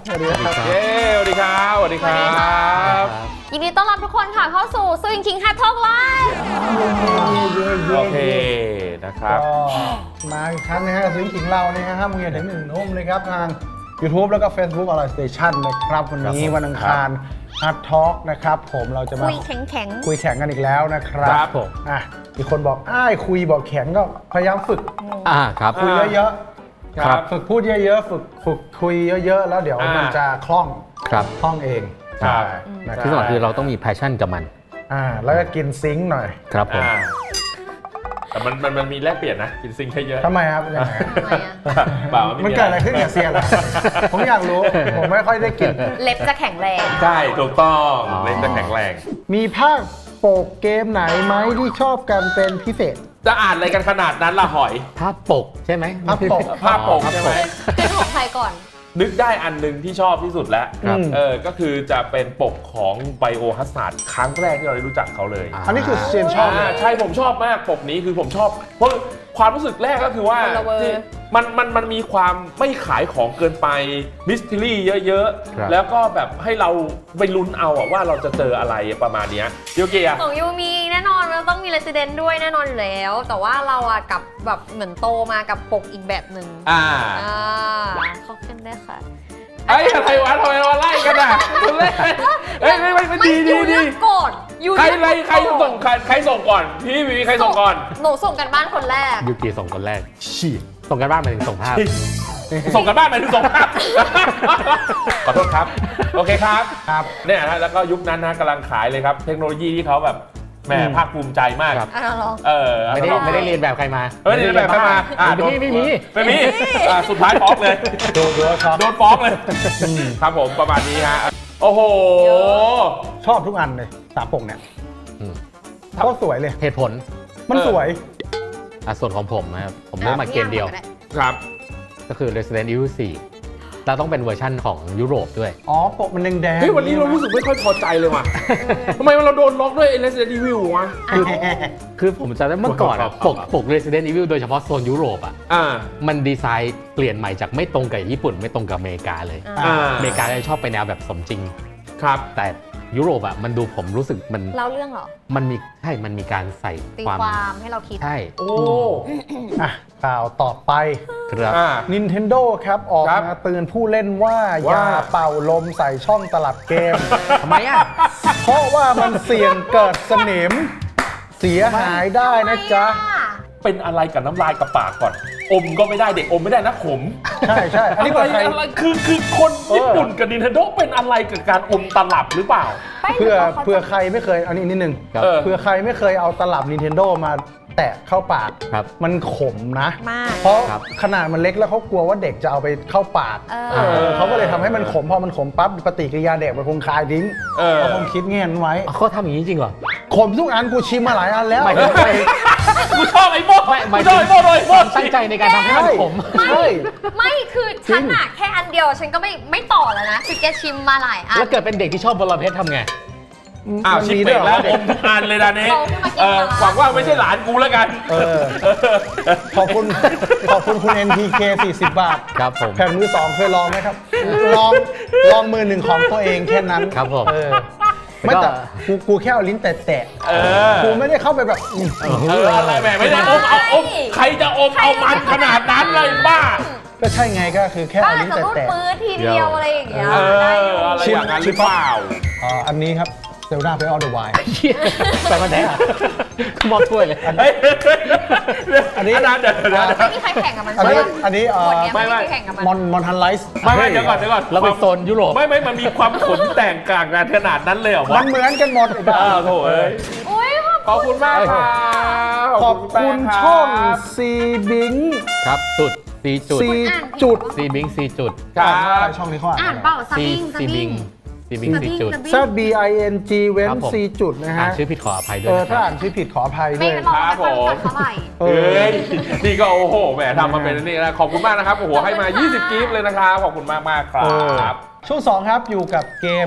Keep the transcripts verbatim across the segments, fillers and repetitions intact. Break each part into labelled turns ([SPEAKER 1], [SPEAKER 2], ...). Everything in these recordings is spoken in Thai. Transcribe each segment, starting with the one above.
[SPEAKER 1] สวัสดีครับ
[SPEAKER 2] เย้สวัสดีครับสวัสดีครับ
[SPEAKER 3] ยินดีต้อนรับทุกคนค่ะเข้าสู่ Swing King Hat Talk Live
[SPEAKER 2] โอเคนะครับ
[SPEAKER 1] มาอีกครั้งนะฮะสวิงขิงเราเนี่ยฮะห้าโมงเย็นถึงหนึ่งทุ่มเลยครับทาง YouTube แล้วก็ Facebook อร่อยสเตชันนะครับวันนี้วันอังคาร Hard Talk นะครับผมเราจะมา
[SPEAKER 3] คุยแข็งแข็ง
[SPEAKER 1] คุยแข่งกันอีกแล้วนะครับ
[SPEAKER 2] ครับผม
[SPEAKER 1] อ่ะมีคนบอกอ้ายคุยบอกแข็งก็พยายามฝึก
[SPEAKER 4] อ่าครับ
[SPEAKER 1] คุยเยอะๆ
[SPEAKER 2] ครับ
[SPEAKER 1] ฝึกพูดเยอะๆฝึกฝึกคุยเยอะๆแล้วเดี๋ยวมันจะคล่อง
[SPEAKER 4] ครับ
[SPEAKER 1] คล่องเอง
[SPEAKER 2] ครับ
[SPEAKER 1] นะค
[SPEAKER 4] ที่
[SPEAKER 1] รับ
[SPEAKER 4] สำคัญคือเราต้องมี passion กับมัน
[SPEAKER 1] อ่าแล้วก็กินซิงค์หน่อย
[SPEAKER 4] ครับผม
[SPEAKER 2] อ่าแต่มันมันมันมีแลกเปลี่ยนนะกินซิงค์ให้เยอะ
[SPEAKER 1] ทำไมครับยังไง
[SPEAKER 3] ทำไมอะ
[SPEAKER 2] เปล่า
[SPEAKER 1] มันเกิดอะไรขึ้นกับเซียนล่ะผมอยากรู้ ผมไม่ค่อยได้กิน
[SPEAKER 3] เล็บจะแข็งแรง
[SPEAKER 2] ใช่ถูกต้อง
[SPEAKER 4] อ๋อ
[SPEAKER 2] เล่นจะแข็งแรง
[SPEAKER 1] มีภาคโปกเกมไหนไหมที่ชอบกันเป็นพิเศษ
[SPEAKER 2] จะอ่านอะไรกันขนาดนั้นล่ะหอย
[SPEAKER 4] ภาพปกใช่ไหม
[SPEAKER 1] ภาพปก
[SPEAKER 2] ภาพปกใช่ไหม
[SPEAKER 3] เป็นของใครก่อน
[SPEAKER 2] นึกได้อันหนึ่งที่ชอบที่สุดแล้ว
[SPEAKER 1] ครับ
[SPEAKER 2] เออก็คือจะเป็นปกของไบโอฮัสซาร์ดครั้งแรกที่เราได้รู้จักเขาเลย
[SPEAKER 1] อันนี้คือเซียนชอบเลย
[SPEAKER 2] าใช่ผมชอบมากปกนี้คือผมชอบ เพราะความรู้สึกแรกก็คือว่า
[SPEAKER 3] คนละเวอร์
[SPEAKER 2] ที่มันมันมันมีความไม่ขายของเกินไปมิส t ท r รี่เยอะ
[SPEAKER 4] ครับ
[SPEAKER 2] ๆ แล้วก็แบบให้เราไปลุ้นเอาอะว่าเราจะเจออะไรประมาณเนี้ยโยเกีย
[SPEAKER 3] ของยูมีแน่นอนมันต้องมี Resident ด้วยแน่นอนอยู่แล้ว แต่ว่าเราอะกับแบบเหมือนโตมากับปกอีกแบบหนึ่ง
[SPEAKER 2] อ่า
[SPEAKER 3] อ่าเข้าขึ้นได้ค่ะ
[SPEAKER 2] ไอ้ยอะไรวะทำไมมาไล่กันอ่ะคุณเล่นเอ้ยไม่ไม่ไม่ดีดี
[SPEAKER 3] ยู
[SPEAKER 2] ดี
[SPEAKER 3] เลือกก่อนยู
[SPEAKER 2] ใคร
[SPEAKER 3] เลือก
[SPEAKER 2] ไรใคร
[SPEAKER 3] ก่อน
[SPEAKER 2] ส่งใครใครส่งก่อนพี่มีใครส่งก่อน
[SPEAKER 3] หนูส่งกันบ้านคนแรก
[SPEAKER 4] ยูกีส่งคนแรกฉีดส่งกันบ้านมาถึงส่งภาพ
[SPEAKER 2] ส่งกันบ้านไปถึงส่งครับ ขอโทษครับ โอเคครับ
[SPEAKER 1] ครับ
[SPEAKER 2] เนี่ยนะแล้วก็ยุคนั้นนะกำลังขายเลยครับ เทคโนโลยีที่เขาแบบแหม
[SPEAKER 1] อืม
[SPEAKER 2] ภาคภูมิใจมาก
[SPEAKER 4] ครับ
[SPEAKER 3] อ่ะลอง
[SPEAKER 2] เออ
[SPEAKER 4] ไม่ได้
[SPEAKER 2] เอา
[SPEAKER 4] ไม่ได้เรียนแบบใครมา
[SPEAKER 2] เฮ้ยนี่แบบใครมาอ่ะ
[SPEAKER 4] ไม่มีไม่มี
[SPEAKER 2] ไม่มีอ่ะสุดท้ายฟ้องเลย
[SPEAKER 1] ดูดูชอบ
[SPEAKER 2] โดนฟ้องเลย ครับผมประมาณนี้ฮะ โอ้โห
[SPEAKER 3] เยอะ
[SPEAKER 1] ชอบทุกอันเลยสามปกเนี่ย
[SPEAKER 4] อืม
[SPEAKER 1] เขาสวยเลย
[SPEAKER 4] เหตุผล
[SPEAKER 1] มันสวย
[SPEAKER 4] อ่ะส่วนของผมนะครับผมเลือกมาเกมเดียว
[SPEAKER 2] ครับ
[SPEAKER 4] ก็คือ Resident Evil สี่เราต้องเป็นเวอร์ชั่นของยุโรปด้วย
[SPEAKER 1] อ๋อปกมันแดงๆ
[SPEAKER 2] เฮ้ยวันนี้เรารู้สึกไม่ค่อยพอใจเลยว่ะทำไมเราโดนล็อกด้วย Resident Evil วะ
[SPEAKER 4] คือคือผมจำได้เมื่อก่อนอะปกปก Resident Evil โดยเฉพาะโซนยุโรปอ่ะ
[SPEAKER 2] อ่า
[SPEAKER 4] มันดีไซน์เปลี่ยนใหม่จากไม่ตรงกับญี่ปุ่น ไม่ตรงกับอเมริกาเลย
[SPEAKER 2] อ่า
[SPEAKER 4] อเมริกาจะชอบไปแนวแบบสมจริง
[SPEAKER 2] ครับ
[SPEAKER 4] แต่ยุโรปอ่ะมันดูผมรู้สึกมัน
[SPEAKER 3] เล่าเรื่องเหรอ
[SPEAKER 4] มันมีใช่มันมีการใส่
[SPEAKER 3] ตี
[SPEAKER 4] ความ
[SPEAKER 3] ความให้เราคิด
[SPEAKER 4] ใช่
[SPEAKER 2] โอ้
[SPEAKER 1] อ่ะข่าวต่อไป
[SPEAKER 4] ครับ
[SPEAKER 2] อ่า
[SPEAKER 1] Nintendo ครับ ออก
[SPEAKER 2] ครับ
[SPEAKER 1] มาเตือนผู้เล่นว่า อ
[SPEAKER 2] ว่า
[SPEAKER 1] ย่าเป่าลมใส่ช่องตลับเกม
[SPEAKER 4] ทำไมอ่ะ
[SPEAKER 1] เพราะว่ามันเสี่ยงเกิดสนิม เสียหายได้นะจ๊ะ
[SPEAKER 2] เป็นอะไรกับน้ำลายกับปากก่อน อมก็ไม่ได้เด็กอมไม่ได้นะขม
[SPEAKER 1] ใช่ใช่อันนี้
[SPEAKER 2] อะไร
[SPEAKER 1] เผื่อใคร
[SPEAKER 2] อะไรคือคือคนญี่ปุ่นกับ Nintendo เป็นอะไรกับการอมตลับหรือเปล่า
[SPEAKER 1] เพื่อเพื่อใครไม่เคยอันนี้นิดนึง
[SPEAKER 4] ครับ
[SPEAKER 2] เออ
[SPEAKER 1] เพื่อใครไม่เคยเอาตลับ Nintendo มาแตะเข้าปาก
[SPEAKER 4] ครับ
[SPEAKER 1] มันขมนะ
[SPEAKER 3] มาก
[SPEAKER 1] เพราะ
[SPEAKER 4] ครับ
[SPEAKER 1] ขนาดมันเล็กแล้วเขากลัวว่าเด็กจะเอาไปเข้าปาก
[SPEAKER 3] เออ
[SPEAKER 1] เออเขาก็เลยทำให้มันขมพอมันขมปั๊บปฏิกิริยาเด็กมันคงคายทิ้ง
[SPEAKER 2] เออ
[SPEAKER 1] เขาคงคิดเงี้ยนไว้
[SPEAKER 4] เขาทำอย่างนี้จริงเหรอ
[SPEAKER 1] ขมทุกอันกูชิมมาหลายอันแล้ว
[SPEAKER 4] หมายถึงไม่
[SPEAKER 2] กูชอบไอ้โม่
[SPEAKER 4] ไม่หมาย
[SPEAKER 2] กูช
[SPEAKER 4] ถึ
[SPEAKER 2] อบไอ้โม่เลย
[SPEAKER 4] ค
[SPEAKER 2] โม่
[SPEAKER 4] วามตั้งใจในการทำให้มันขม
[SPEAKER 1] ใช่
[SPEAKER 3] ไม่คือฉันอะแค่อันเดียวฉันก็ไม่ไม่ต่อแล้วนะคือแกชิมมาหลายอัน
[SPEAKER 4] แล้วเกิดเป็นเด็กที่ชอบบอลเพชรทำไง
[SPEAKER 2] อ้าว
[SPEAKER 1] มัน
[SPEAKER 2] ชิป
[SPEAKER 1] มี
[SPEAKER 2] เป
[SPEAKER 1] ด้วย
[SPEAKER 2] ก
[SPEAKER 1] เหร
[SPEAKER 2] แล้ว
[SPEAKER 1] อ
[SPEAKER 2] อมทุกอันเลยนะนี้
[SPEAKER 3] เขาขึ้นมากิน
[SPEAKER 2] เออ
[SPEAKER 3] ปลาร้า
[SPEAKER 2] หวังว่าไม่ใช่หลานกูแล้วกัน
[SPEAKER 1] เออ ขอบคุณขอบคุณคุณ เอ็น พี เค สี่สิบบาท
[SPEAKER 4] ครับผม
[SPEAKER 1] แผ่นมือสองเคยลองไหมครับ ลองลองมือหนึ่งของตัวเองแค่นั้น
[SPEAKER 4] ครับผม
[SPEAKER 1] เออไม่แต่กูกูแค่เอาลิ้นแตะ
[SPEAKER 2] เออ
[SPEAKER 1] ๆกูไม่ได้เข้าไปแบบอื้อ
[SPEAKER 2] เอออะไรแหมไม่ได้อมเอาอมใครจะอมเอามันขนาดนั้นเลยบ้า
[SPEAKER 1] ก็ใช่ไงก็คือแค่
[SPEAKER 3] ก็
[SPEAKER 1] เอา
[SPEAKER 3] อาจ
[SPEAKER 1] ลิ้น
[SPEAKER 3] จะรูด
[SPEAKER 1] แตะ
[SPEAKER 3] ปื้ดทีเดียวอะไรอย่างเงี้ย
[SPEAKER 2] เอ
[SPEAKER 3] ได้อยู่
[SPEAKER 2] ออะไรอย่างนั้นหรือเปล่า
[SPEAKER 1] ๆอ่าอันนี้ครับเซลดาไปออเดอร์ไว
[SPEAKER 4] แต่มันแท้อะคือมอบถ้วยเลย
[SPEAKER 2] เฮ้ย
[SPEAKER 1] อันนี้
[SPEAKER 2] อันนั้นเดี๋ยวเดี๋ยวเดี๋ยว
[SPEAKER 3] ไม่มีใครแข่งกับมัน
[SPEAKER 1] อัน
[SPEAKER 3] ใช่
[SPEAKER 1] นี้
[SPEAKER 3] ไหม
[SPEAKER 1] อันนี้เอ่
[SPEAKER 3] หม
[SPEAKER 1] อ
[SPEAKER 3] ดเนี้ยไม่มีใครแข่งกับมัน
[SPEAKER 1] มอนมอนทันไลซ์
[SPEAKER 2] ไม่ไม่เดี๋ยวก่อนเดี๋ยวก่อน
[SPEAKER 4] เราไปโซนยุโรป
[SPEAKER 2] ไม่ไม่มันมีความขนแต่งกลางกันขนาดนั้นเลยเหรอ
[SPEAKER 1] มั
[SPEAKER 2] วะ
[SPEAKER 1] นเหมือนกันหมดไอ้บ้า
[SPEAKER 2] อ้าวโถเอ้ย
[SPEAKER 3] อุ้ย
[SPEAKER 2] ขอบคุณมากครับ
[SPEAKER 1] ขอบคุณช่องซีบิง
[SPEAKER 4] ครับจุดซีจุด
[SPEAKER 1] ซีจุด
[SPEAKER 4] ซีบิงซีจุด
[SPEAKER 2] ครั
[SPEAKER 1] อ่านว่าอะไร
[SPEAKER 2] บ
[SPEAKER 1] ช่องนี้เขาอ่าน
[SPEAKER 3] อ่านเปล่าส
[SPEAKER 4] ซี
[SPEAKER 3] บิงส
[SPEAKER 4] ซี
[SPEAKER 3] บิ
[SPEAKER 4] บิ
[SPEAKER 3] ง
[SPEAKER 4] งซีบิงซีจุด
[SPEAKER 1] Z B I N G เว้น
[SPEAKER 4] ครับผม
[SPEAKER 1] C จุดนะ
[SPEAKER 4] อ่า
[SPEAKER 1] ฮะ
[SPEAKER 4] นชื่อผิดขออภัยด้ว
[SPEAKER 1] เอย อ
[SPEAKER 4] นะค
[SPEAKER 1] ถ้า
[SPEAKER 4] รับ
[SPEAKER 1] อ่านชื่อผิดขออภัย
[SPEAKER 3] ไม่
[SPEAKER 1] ด้วย
[SPEAKER 3] เราไม่ค่อยรู้จักเท่าไหร่
[SPEAKER 1] เอ
[SPEAKER 2] เฮ้
[SPEAKER 1] อย
[SPEAKER 2] นี่ก็โอ้โหแหมทำมาเป็นอันนี่นะขอบคุณมากนะครับโอ้โหให้มา ยี่สิบกิฟต์เลยนะครับขอบคุณมากมากๆครั
[SPEAKER 1] เออบ ช่วงสองครับอยู่กับเกม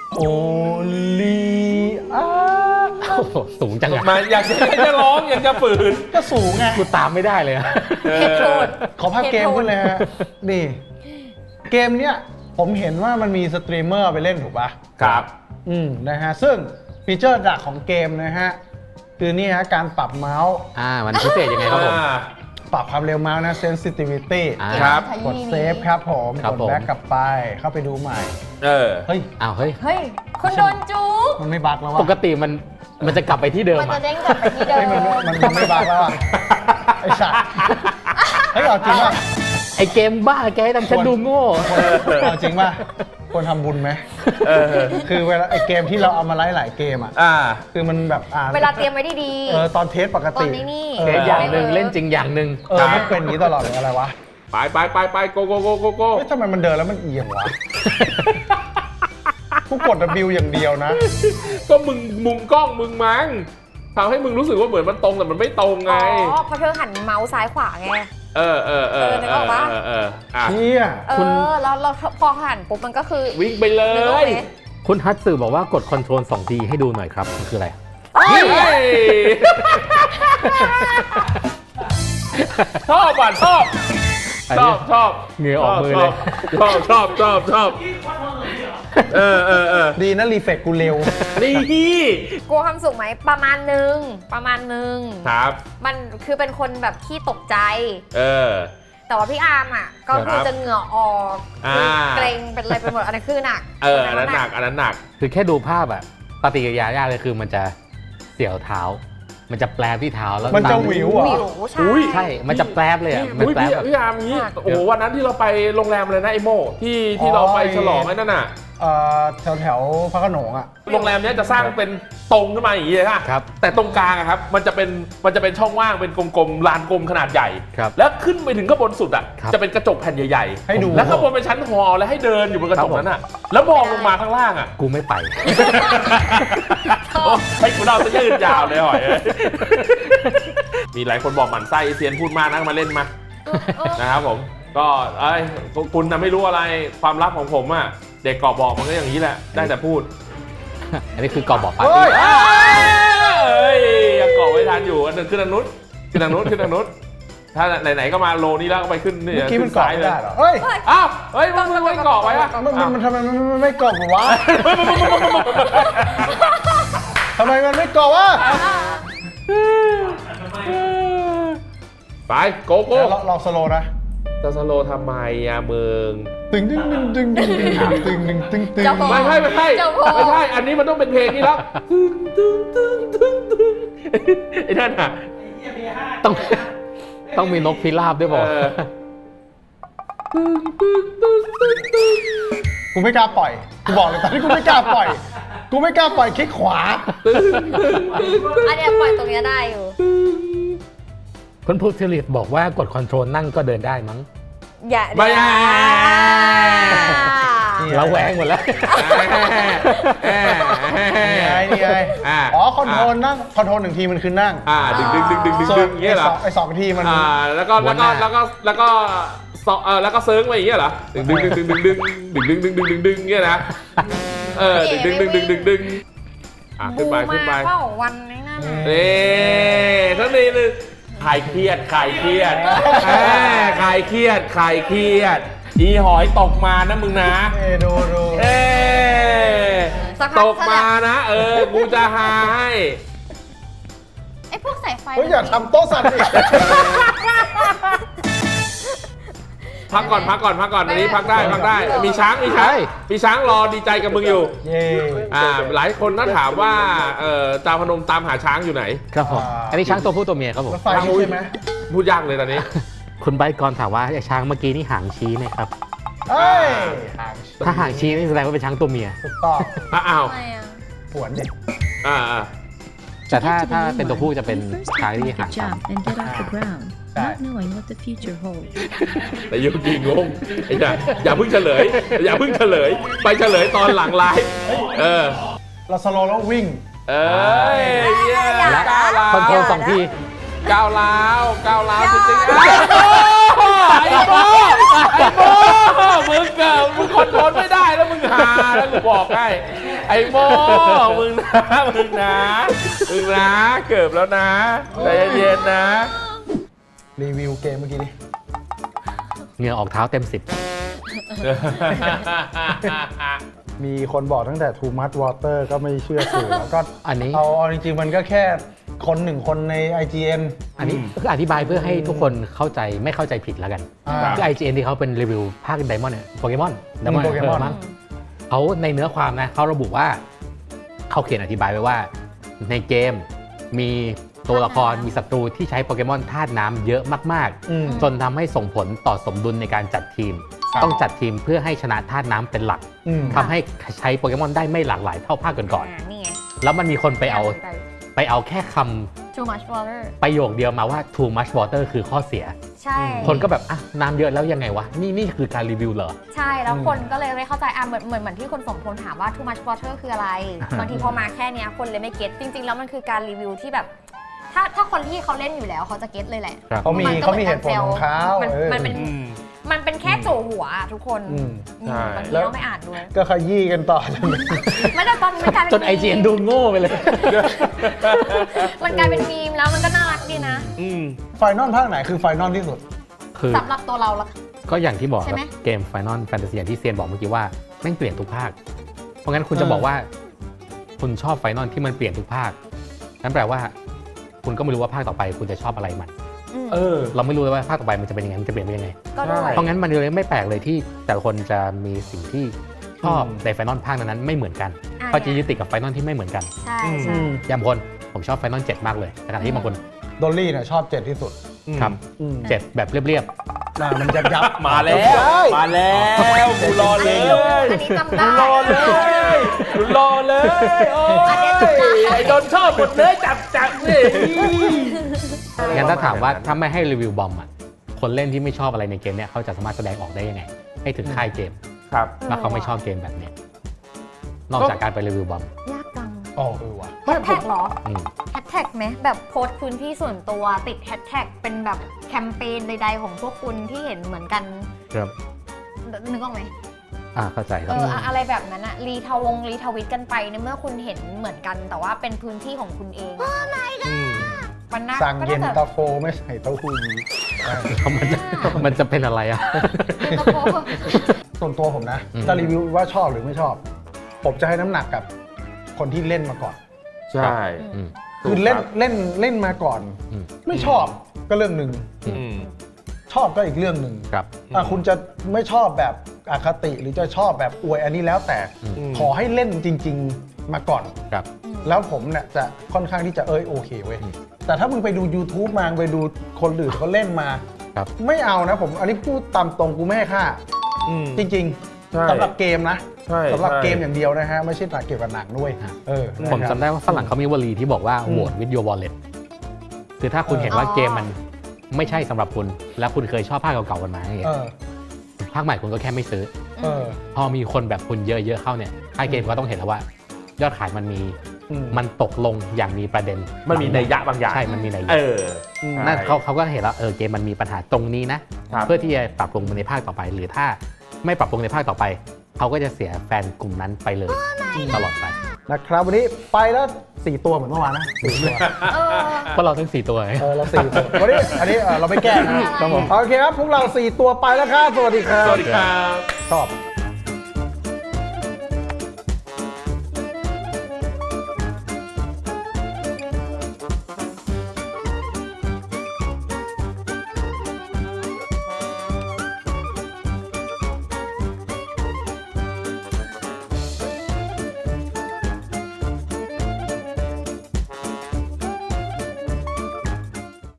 [SPEAKER 1] Only อ่า
[SPEAKER 4] โอ้โหสูงจังอะ
[SPEAKER 2] มาอยากจะอยากจะร้องอยากจะฝืน
[SPEAKER 1] ก็สูงไง
[SPEAKER 4] กูตามไม่ได้เลยอะ
[SPEAKER 2] เอ
[SPEAKER 3] เหตุผ
[SPEAKER 2] อ
[SPEAKER 3] ล
[SPEAKER 1] ขอภาพเกมขึ้นเลยฮะ นี่ เกมเนี้ยผมเห็นว่ามันมีสตรีมเมอร์ไปเล่นถูกปะ
[SPEAKER 2] ครับ
[SPEAKER 1] อืมนะฮะซึ่งฟีเจอร์หลักของเกมนะฮะคือนี่ฮะการปรับเมาส์
[SPEAKER 4] อ่ามันพิเศษยังไงครับผม
[SPEAKER 2] อ่า
[SPEAKER 1] ปรับความเร็วเมาส์นะ sensitivity
[SPEAKER 4] อ่า
[SPEAKER 2] ครับ
[SPEAKER 1] กดเซฟครับผม
[SPEAKER 4] ครับ
[SPEAKER 1] กด
[SPEAKER 4] ผม
[SPEAKER 1] แบ็กกลับไปเข้าไปดูใหม่
[SPEAKER 2] เออ
[SPEAKER 1] เฮ้ย
[SPEAKER 4] อ้าวเฮ้ย
[SPEAKER 3] เฮ้ย คุณโดนจุก
[SPEAKER 1] มันไม่บักแล้วว่ะ
[SPEAKER 4] ปกติมันมันจะกลับไปที่เดิม
[SPEAKER 3] มันจะ
[SPEAKER 4] อะ
[SPEAKER 3] เด้งกลับไปที่เดิ
[SPEAKER 1] เฮ้ย
[SPEAKER 3] ม
[SPEAKER 1] มันมันมันไม่บักแล้วอ่ะไอ้สัตว์เฮ้ยเอาจริงป่ะ
[SPEAKER 4] ไอเกมบ้าแกให้ทำฉันดูโง่
[SPEAKER 1] เอาจริงป่ะควรทำบุญไหม
[SPEAKER 2] เออ
[SPEAKER 1] คือเวลาไอ้เกมที่เราเอามาไล่หลายเกมอ่ะ
[SPEAKER 2] อ่า
[SPEAKER 1] คือมันแบบอ่า
[SPEAKER 3] เวลาเตรียมไว้ดี
[SPEAKER 1] เออตอนเทสปก
[SPEAKER 3] ตอ
[SPEAKER 1] ติ
[SPEAKER 3] นนี้นี่
[SPEAKER 1] เอ
[SPEAKER 4] เก
[SPEAKER 1] อ
[SPEAKER 4] มอย่างหนึ่งเล่นจริงอย่างหนึ่ง
[SPEAKER 1] เออไม่เป็นอย่างนี้ตลอดเลยอะไรวะ
[SPEAKER 2] ไปไปไปไปโกโกโกโกโก
[SPEAKER 1] เฮ้ยทำไมมันเดินแล้วมันเอียงวะกูกด W อย่างเดียวนะ
[SPEAKER 2] ก็มึงมุมกล้องมึงมั้งทำให้มึงรู้สึกว่าเหมือนมันตรงแต่มันไม่ตรงไง
[SPEAKER 3] อ๋อเพราะเธอหันเมาส์ซ้ายขวาไง
[SPEAKER 2] เออเออเออ
[SPEAKER 3] เออนึกออกปะ
[SPEAKER 2] เออเอออ่ะ
[SPEAKER 1] เชี่ย
[SPEAKER 3] เออแล้วเราพอหันปุ๊บมันก็คือ
[SPEAKER 2] วิ่งไปเล
[SPEAKER 3] นึกออก
[SPEAKER 2] ย
[SPEAKER 3] ไหม
[SPEAKER 4] คุณฮัตสึบอกว่ากดคอนโทรลสองทีให้ดูหน่อยครับมันคืออะไร
[SPEAKER 3] เอ้ย
[SPEAKER 2] เฮ้ยชอบอ่ะชอบ
[SPEAKER 4] อัน
[SPEAKER 2] ช
[SPEAKER 4] นี้
[SPEAKER 2] อบชอบ
[SPEAKER 4] เหงื่อออกมือเลย
[SPEAKER 2] ชอบชอบชอบชอบเออเออเออ
[SPEAKER 1] ดีนะรีเฟกกูเร็ว
[SPEAKER 2] นี่
[SPEAKER 3] กลัวความสุขไหมประมาณนึงประมาณนึง
[SPEAKER 2] ครับ
[SPEAKER 3] มันคือเป็นคนแบบขี้ตกใจ
[SPEAKER 2] เออ
[SPEAKER 3] แต่ว่าพี่อาร์มอ่ะ ก็คือ
[SPEAKER 2] ครับ
[SPEAKER 3] จะเหงื่อออก
[SPEAKER 2] อ่า
[SPEAKER 3] คือเกรงเป็นอะไรไปหมดอันนั้นคือหนัก
[SPEAKER 2] เอออันนั้นหนักอันนั้นหนัก
[SPEAKER 4] คือแค่ดูภาพอะปฏิกิริยายากเลยคือมันจะเสียวเท้า มันจะแปลบที่เท้าแล้ว
[SPEAKER 1] มันจะ
[SPEAKER 4] ตา
[SPEAKER 1] หวิวเหร
[SPEAKER 3] วิ
[SPEAKER 1] อ
[SPEAKER 3] วใช่
[SPEAKER 2] อุ้ย
[SPEAKER 4] ใช่ มันจะแปลบเลยอะมัน
[SPEAKER 2] อุ้ย
[SPEAKER 4] แปล
[SPEAKER 2] พี่
[SPEAKER 4] บแบบ
[SPEAKER 2] พี่อาร์มงี้
[SPEAKER 3] หนัก
[SPEAKER 2] โอ้โหวันนั้นที่เราไปโรงแรมเลยนะไอโมที่ที่เราไปฉลองไอ้นั่นน่ะ
[SPEAKER 1] เอ่อแถวแถวๆพระโขนงอ่ะ
[SPEAKER 2] โรงแรมเนี้ยจะสร้างเป็นตรงขึ้นมาอย่างนี้เลยค่ะ
[SPEAKER 4] ครับ
[SPEAKER 2] แต่ตรงกลางอะครับมันจะเป็นมันจะเป็นช่องว่างเป็นกลมๆลานกลมขนาดใหญ่
[SPEAKER 4] ครับ
[SPEAKER 2] แล้วขึ้นไปถึงข้างบนสุดอ่ะ
[SPEAKER 4] ครับ
[SPEAKER 2] จะเป็นกระจกแผ่นใหญ่
[SPEAKER 1] ให้ดู
[SPEAKER 2] ๆแล้วข้างบนเป็นชั้นฮอลล์แล้วให้เดินอยู่บนกระจก
[SPEAKER 4] ครับผม
[SPEAKER 2] นั้นอ่ะแล้วมองลงมาข้างล่างอ่ะ
[SPEAKER 4] กูไม่ไป
[SPEAKER 2] ให้คุณเราจะยืดยาวเลยหอยเอ้ยมีหลายคนบอกหมั่นไส้เซียนพูดมากนะมาเล่นมา
[SPEAKER 3] เออ
[SPEAKER 2] นะครับผมก็เอ้ยคุณน่ะไม่รู้อะไรความลับของผมอ่ะเด็กกอบบอกมันก็อย่างนี้แหละได้แต่พูด
[SPEAKER 4] อันนี้คือกอบอกปาร์
[SPEAKER 1] เฮ้
[SPEAKER 4] ตี้
[SPEAKER 1] ย
[SPEAKER 2] เอ้ยยังเกาะไว้ทันอยู่อันนึงขึ้นทางนู้นขึ้นทางนู้นขึ้นทางนู้นถ้าไหนๆก็มาโลนี้แล้วก็ไปขึ้นนี่
[SPEAKER 1] เมื่อกี้มัน
[SPEAKER 2] ขึ้
[SPEAKER 1] เกาะ
[SPEAKER 2] ซ้าย
[SPEAKER 1] ไม่
[SPEAKER 2] เลย
[SPEAKER 1] ได้เหรอเฮ้ย
[SPEAKER 2] อ้าวเฮ้ยมันไม่เกาะไว้อะ
[SPEAKER 1] มันมันมันทำไมมันมันไม่เกาะวะทำไมมันไม่เกาะวะ
[SPEAKER 2] ไปโกโก้
[SPEAKER 1] เดี๋ยวเราเราสโลว์นะ
[SPEAKER 2] จะสโลทำไมอะมึง
[SPEAKER 1] ตึงตึงตึงตึงตึงตึงตึงตึงตึงตึง
[SPEAKER 3] เจ้าของ
[SPEAKER 2] ไม่ใช่ไม่ใช่
[SPEAKER 3] เจ้าพ่อ
[SPEAKER 2] ไม่ใช่อันนี้มันต้องเป็นเพลงนี้แล้วตึงตึงตึงตึงตึงไอ้นั่นอะ
[SPEAKER 4] ต้องต้องมีนกพิราบด้วยบอก
[SPEAKER 2] เออตึงตึงตึงตึงตึง
[SPEAKER 1] กูไม่กล้าปล่อยกูบอกเลยตอนนี้กูไม่กล้าปล่อยกูไม่กล้าปล่อยคลิกขวา
[SPEAKER 3] อันเนี้ยปล่อยตรงเนี้ยได้อยู่
[SPEAKER 4] คุณพูดเทลิตบอกว่ากดคอนโทรลนั่งก็เดินได้มั้ง
[SPEAKER 3] อย่า
[SPEAKER 2] ไม่ได้
[SPEAKER 4] เราแหวงหมดแล้ว
[SPEAKER 1] นี่ไงนี่ไง
[SPEAKER 2] อ่า
[SPEAKER 1] อ๋อคอนโทรลนั่งคอนโทรลหนึ่งทีมันคือนั่ง
[SPEAKER 2] อ่าดึงดึงดึงดึงดึง
[SPEAKER 1] ส่ว
[SPEAKER 2] ดึ
[SPEAKER 1] น
[SPEAKER 2] งอย่างเงี้ยเหรอ
[SPEAKER 1] ไอ้สองไอ้สองทีมัน
[SPEAKER 2] อ่าแล้วก็
[SPEAKER 4] หั
[SPEAKER 2] แล้ว ว
[SPEAKER 4] ห
[SPEAKER 2] ก็
[SPEAKER 4] น้า
[SPEAKER 2] แล้วก็แล้วก็สองเออแล้วก็เซิร์งไปอย่างเงี้ยเหรอดึงดึงดึงดึงดึงดึงดึงดึงดึงดึงดึงดึงเงี้ยนะเออดึงดึงดึงดึงดึงดึงอ่ะขึ้นไปขึ้นไป
[SPEAKER 3] บูมาเปล่าวันนี้นั่นน่ะ
[SPEAKER 2] เอ๊ทั้งนี้นึงคลายเครียดคลายเครียดแหมคลายเครียดคลายเครียดอีหอยตกมานะมึงนะ
[SPEAKER 1] เอ้ดูดู
[SPEAKER 2] เอ๊
[SPEAKER 3] สักพั
[SPEAKER 2] ต
[SPEAKER 3] ก
[SPEAKER 2] กมานะ เออกูจะหาให้
[SPEAKER 3] ไอ้พวกสายไฟ
[SPEAKER 1] เฮ้ยอย่าทำโต๊ะสั่นอีก
[SPEAKER 2] พักก่อนพักก่อนพักก่อนอันนี้พักได้พักได้มีช้างมีช้างมีช้างรอดีใจกับมึงอยู่
[SPEAKER 1] เย้
[SPEAKER 2] อ่าหลายคนน่าถามว่าเอ่อจาพนมตามหาช้างอยู่ไหน
[SPEAKER 4] ครับผม อันนี้ช้างตัวผู้ตัวเมียครับผม
[SPEAKER 1] รถไฟนี่ใช่ไหม
[SPEAKER 2] พูดยากเลยตอนนี้
[SPEAKER 4] คุณไบค์กรถามว่าไอ้ช้างเมื่อกี้นี่หางชี้ไหมครับ
[SPEAKER 1] เอ้ย
[SPEAKER 4] ถ้าหางชี้นี่แสดงว่าเป็นช้างตัวเมีย
[SPEAKER 1] ถูกต้อง
[SPEAKER 2] อ่ะอ้าว
[SPEAKER 3] ทำไมอ่ะ
[SPEAKER 1] ผวนดิ
[SPEAKER 2] อ่าอ่า
[SPEAKER 4] แต่ถ้าถ้าเป็นตัวผู้จะเป็นช้างที่หาง
[SPEAKER 5] jump
[SPEAKER 4] ต่ำ
[SPEAKER 5] and get off the ground, not knowing what the future holds.
[SPEAKER 2] แต่ยูกิงงไอ้เนี่ยอย่าเพิ่งเฉลย อย่าเพิ่งเฉลย ไปเฉลยตอนหลังไลฟ์เออ
[SPEAKER 1] เราสโลว์แล้ววิ่ง
[SPEAKER 2] เอ้ยเยี่ย
[SPEAKER 4] และ
[SPEAKER 2] ก้าวร้าว
[SPEAKER 4] คอนโทรลสองที
[SPEAKER 2] ก้าวร้าวก้าวร้าวจริงๆไอ้โบ้ไอ้โบ้มึงเกิดมึงคอนโทรลไม่ได้แล้วมึงหาแล้วกูบอกให้ไอ้โบ้มึงนะมึงนะมึงนะเกิดแล้วนะใจเย็นๆนะ
[SPEAKER 1] รีวิวเกมเมื่อกี้ดิ
[SPEAKER 4] เหงื่อออกเท้าเต็มสิบ
[SPEAKER 1] มีคนบอกตั้งแต่ too much water ก็ไม่เชื่อสื่อแล้วก็
[SPEAKER 4] อันนี้
[SPEAKER 1] เอาเอาจริงๆมันก็แค่คนหนึ่งคนใน ไอ จี เอ็น
[SPEAKER 4] อันนี้คืออธิบายเพื่อให้ทุกคนเข้าใจไม่เข้าใจผิดแล้วกัน
[SPEAKER 1] อ่า
[SPEAKER 4] คือ ไอ จี เอ็น ที่เขาเป็นรีวิวภาคไดมอนด์เนี่ยโปเกมอนไดมอนด์
[SPEAKER 1] โปเกมอน
[SPEAKER 4] มั้งเขาในเนื้อความนะเขาระบุว่าเขาเขียนอธิบายไว้ว่าในเกมมีตัวละครมีศัตรูที่ใช้โปเกมอนธาตุน้ำเยอะมาก
[SPEAKER 1] อืม
[SPEAKER 4] ๆ จนทำให้ส่งผลต่อสมดุลในการจัดทีม
[SPEAKER 1] ครับ
[SPEAKER 4] ต้องจัดทีมเพื่อให้ชนะธาตุน้ำเป็นหลัก
[SPEAKER 1] อืม
[SPEAKER 4] ทำให้ใช้โปเกมอนได้ไม่หลากหลายเท่าภาคก่อน
[SPEAKER 3] อ่านี่ไง
[SPEAKER 4] ๆแล้วมันมีคนไปเอาไปเอาแค่คำ
[SPEAKER 3] too much water
[SPEAKER 4] ประโยคเดียวมาว่า too much water คือข้อเสีย
[SPEAKER 3] ใช่
[SPEAKER 4] คนก็แบบอ่ะน้ำเยอะแล้วยังไงวะ นี่นี่คือการรีวิวเหรอ
[SPEAKER 3] ใช่แล้วคนก็เลยไม่เข้าใจอ่ะเหมือนเหมือนเหมือนที่คนสมพลถามว่า too much water คืออะไร บางทีพอมาแค่เนี้ยคนเลยไม่เก็ตจริง ๆ แล้วมันคือการรีวิวที่แบบ ถ้าถ้าคนที่เขาเล่นอยู่แล้วเขาจะเก็ตเลยแหละ
[SPEAKER 4] ครับ
[SPEAKER 1] เขามี
[SPEAKER 3] นก็
[SPEAKER 1] เขามีเหตุผลของเขา
[SPEAKER 3] มัน
[SPEAKER 1] เออ
[SPEAKER 3] มันเป็นมันเป็นแค่โจหัวอะทุกคน
[SPEAKER 1] อืม
[SPEAKER 3] อืม
[SPEAKER 2] ใช่
[SPEAKER 3] บางที
[SPEAKER 1] แล้ว
[SPEAKER 3] เราไม่อ่านด้วย
[SPEAKER 1] ก็ขยี้กันต่อ
[SPEAKER 3] ไม่แต่ตอนมันกลายเป็น
[SPEAKER 4] จน ไอ จี เอ็น ดูโง่ไปเลย
[SPEAKER 3] มันกลายเป็นมีมแล้วมันก็น่ารักดีนะ
[SPEAKER 1] ไฟนอลภาคไหนคือไฟนอลที่สุด
[SPEAKER 4] คือ
[SPEAKER 3] สำหรับตัวเราละ
[SPEAKER 4] ก็อย่างที่บอก
[SPEAKER 3] ใช่ไหม
[SPEAKER 4] ครับเกม Final Fantasy อย่างที่เซียนบอกเมื่อกี้ว่าแม่งเปลี่ยนทุกภาค เพราะงั้นคุณ
[SPEAKER 1] เออ
[SPEAKER 4] จะบอกว่า คุณชอบไฟนอลที่มันเปลี่ยนทุกภาค นั่นแปลว่า คุณก็ไม่รู้ว่าภาคต่อไปคุณจะชอบอะไรมัน
[SPEAKER 3] อืม
[SPEAKER 2] เออ
[SPEAKER 4] เราไม่รู้เลยว่าภาคต่อไปมันจะเป็นยังไง มันจะเปลี่ยนไปยังไง
[SPEAKER 3] ก็ด้วย
[SPEAKER 2] ใช่
[SPEAKER 4] เพราะงั้นมันเลยไม่แปลกเลยที่แต่ละคนจะมีสิ่งที่ชอบ
[SPEAKER 1] อืม
[SPEAKER 4] ในไฟนอลภาคนั้นๆไม่เหมือนกัน
[SPEAKER 3] อ่ะ
[SPEAKER 4] เขาจะยึดติดกับไฟนอลที่ไม่เหมือนกัน
[SPEAKER 3] ใช่
[SPEAKER 2] อืม
[SPEAKER 3] ใช่
[SPEAKER 4] อย่างบางคนผมชอบไฟนอลเจ็ดมากเลยแต่ขณะที่บางคน
[SPEAKER 1] ดอลลี่เนี่ยชอบเจ็ดที่สุด
[SPEAKER 4] ครับ
[SPEAKER 1] อืม
[SPEAKER 4] เจ็ดแบบเรียบ
[SPEAKER 1] น่ามันยับยับ
[SPEAKER 2] มาแล้ว มาแล้วกูรอเลย
[SPEAKER 3] อันนี้จำได้
[SPEAKER 2] กูรอเลยกูรอเลย โอ้ยไอ้โดนชอบหมดเลยจับจับนี่
[SPEAKER 4] ๆงั้นถ้าถามว่าถ้าไม่ให้รีวิวบอมอ่ะคนเล่นที่ไม่ชอบอะไรในเกมเนี่ยเขาจะสามารถแสดงออกได้ยังไง ให้ถึงค่ายเกม
[SPEAKER 2] ครับ
[SPEAKER 4] ว่าเขาไม่ชอบเกมแบบเนี้ยนอกจากการไปรีวิวบอม
[SPEAKER 3] ยากจัง
[SPEAKER 1] อ๋อเออว่ะ
[SPEAKER 3] แฮชแท็กเหรอ
[SPEAKER 4] อืม
[SPEAKER 3] แฮชแท็กไหมแบบโพสต์พื้นที่ส่วนตัวติดแฮชแท็กเป็นแบบแคมเปญใดๆของพวกคุณที่เห็นเหมือนกัน
[SPEAKER 4] ครับ
[SPEAKER 3] นึกออกไหม
[SPEAKER 4] อ่าเข้าใจค
[SPEAKER 3] เอ
[SPEAKER 4] รับ
[SPEAKER 3] ออะอะไรแบบนั้นอะรีทวงรีทวิตกันไปในเมื่อคุณเห็นเหมือนกัน แต่ว่าเป็นพื้นที่ของคุณเองมันน่า
[SPEAKER 1] สั่ง
[SPEAKER 3] ก็
[SPEAKER 1] เย็น
[SPEAKER 3] น่าจะ
[SPEAKER 1] ตาโฟไม่ใส่เต้าหู้ยี้อ่า
[SPEAKER 4] มันจะมันจะเป็นอะไรอ่ะ
[SPEAKER 3] เย็นตาโฟ
[SPEAKER 1] ส่วนตัวผมนะ
[SPEAKER 4] อืม
[SPEAKER 1] จะรีวิวว่าชอบหรือไม่ชอบ ผมจะให้น้ำหนักกับคนที่เล่นมาก่อน
[SPEAKER 2] ใช่
[SPEAKER 4] อืม
[SPEAKER 1] คือเล่นเล่นเล่นมาก่อน
[SPEAKER 4] อืม
[SPEAKER 1] ไม่ชอบก็เรื่องหนึ่ง
[SPEAKER 2] อืม
[SPEAKER 1] ชอบก็อีกเรื่องหนึ่ง
[SPEAKER 4] ครับ
[SPEAKER 1] อ่ะคุณจะไม่ชอบแบบอคติหรือจะชอบแบบอวยอันนี้แล้วแต่
[SPEAKER 4] อืม
[SPEAKER 1] ขอให้เล่นจริง ๆมาก่อน
[SPEAKER 4] ครับ
[SPEAKER 1] แล้วผมเนี่ยจะค่อนข้างที่จะเอ้ยโอเคเว้ย
[SPEAKER 4] อืม
[SPEAKER 1] แต่ถ้ามึงไปดู YouTube มาไปดูคนอื่นเขาเล่นมา
[SPEAKER 4] ครับ
[SPEAKER 1] ไม่เอานะผมอันนี้พูดตามตรงกูไม่ให้ค่า
[SPEAKER 2] อืม
[SPEAKER 1] จริง
[SPEAKER 2] ใช่
[SPEAKER 1] ๆสำหรับเกมนะ
[SPEAKER 2] ใช่
[SPEAKER 1] สำหรับ
[SPEAKER 2] ใช่
[SPEAKER 1] เกมอย่างเดียวนะฮะ ไม่ใช่หนักเกี่ยวกับหนังด้วย
[SPEAKER 4] ฮะ
[SPEAKER 1] เออ
[SPEAKER 4] ผม
[SPEAKER 1] นะครับ
[SPEAKER 4] จำได้ว่าฝรั่งเขามีวลีที่บอกว่า
[SPEAKER 1] อืม
[SPEAKER 4] โหวต with your wallet คือถ้าคุณเห็นว่า
[SPEAKER 3] อ๋อ
[SPEAKER 4] เกมมันไม่ใช่สำหรับคุณ แล้วคุณเคยชอบภาคเก่าๆกันมาอย่างเงี้
[SPEAKER 1] เอย อ
[SPEAKER 4] ภาคใหม่คุณก็แค่ไม่ซื้อ
[SPEAKER 1] เออ
[SPEAKER 4] พอมีคนแบบคุณเยอะๆเข้าเนี่ยค่ายเกมก็ต้องเห็นแล้วว่า ยอดขายมันมี
[SPEAKER 1] อืม
[SPEAKER 4] มันตกลงอย่างมีประเด็น
[SPEAKER 2] มันมีนัยยะบางอย่าง
[SPEAKER 4] ใช่ มันมีนัยยะ
[SPEAKER 2] เออ
[SPEAKER 1] อืม
[SPEAKER 4] นั่นเขาเขาก็เห็นแล้วเออเกมมันมีปัญหาตรงนี้นะ
[SPEAKER 2] ครับ
[SPEAKER 4] เพื่อที่จะปรับปรุงในภาคต่อไป หรือถ้าไม่ปรับปรุงในภาคต่อไป เขาก็จะเสียแฟนกลุ่มนั้นไปเลยตลอดไป
[SPEAKER 1] นะครับวันนี้ไปแล้วสี่ตัวเหมือนเมื่อวานนะสี่ตัว
[SPEAKER 3] เออ
[SPEAKER 4] เพราะเราทั้งสี่ตัวไง
[SPEAKER 1] เออเราสี่ตัววันนี้อันนี้เออเราไม่แก้นะครับผมโอเคครับพวกเราสี่ตัวไปแล้วครับสวัสดีครับ
[SPEAKER 2] สวัสดีครับ
[SPEAKER 1] ชอบ